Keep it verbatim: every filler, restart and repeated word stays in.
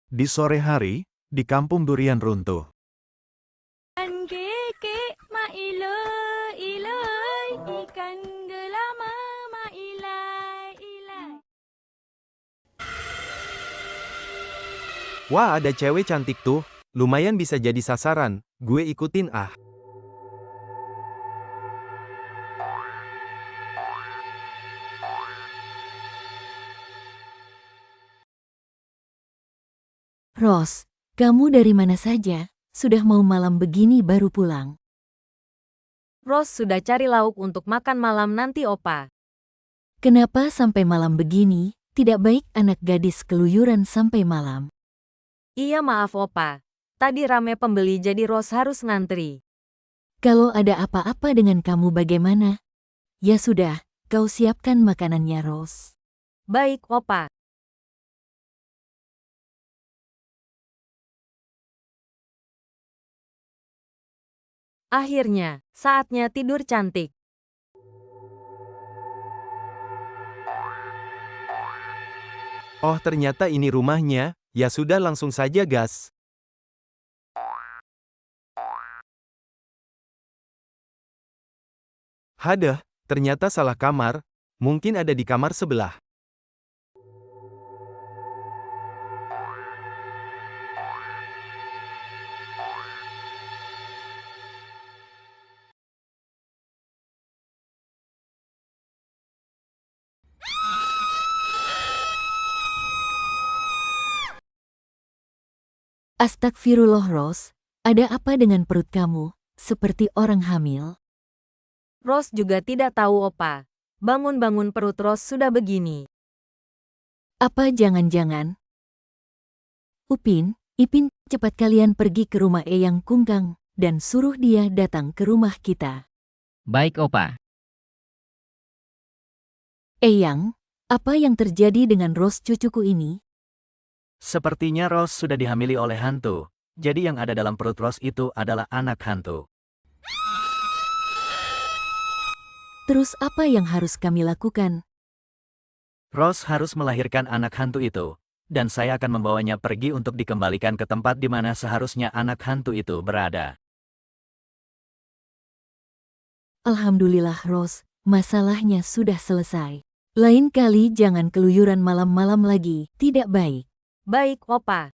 Di sore hari, di kampung durian runtuh. Ikan kekek ma ilai ilai, ikan gelama ma ilai ilai. Wah, ada cewek cantik tuh. Lumayan bisa jadi sasaran. Gue ikutin ah. Ros, kamu dari mana saja? Sudah mau malam begini baru pulang. Ros sudah cari lauk untuk makan malam nanti opa. Kenapa sampai malam begini? Tidak baik anak gadis keluyuran sampai malam. Iya maaf opa. Tadi rame pembeli jadi Ros harus ngantri. Kalau ada apa-apa dengan kamu bagaimana? Ya sudah, kau siapkan makanannya Ros. Baik opa. Akhirnya, saatnya tidur cantik. Oh, ternyata ini rumahnya. Ya sudah, langsung saja gas. Hadah, ternyata salah kamar. Mungkin ada di kamar sebelah. Astagfirullah Ros, ada apa dengan perut kamu? Seperti orang hamil. Ros juga tidak tahu opa. Bangun-bangun perut Ros sudah begini. Apa jangan-jangan? Upin, Ipin, cepat kalian pergi ke rumah Eyang Kungkang dan suruh dia datang ke rumah kita. Baik, Opa. Eyang, apa yang terjadi dengan Ros cucuku ini? Sepertinya Ros sudah dihamili oleh hantu. Jadi yang ada dalam perut Ros itu adalah anak hantu. Terus apa yang harus kami lakukan? Ros harus melahirkan anak hantu itu. Dan saya akan membawanya pergi untuk dikembalikan ke tempat di mana seharusnya anak hantu itu berada. Alhamdulillah Ros, masalahnya sudah selesai. Lain kali jangan keluyuran malam-malam lagi, tidak baik. Baik opa.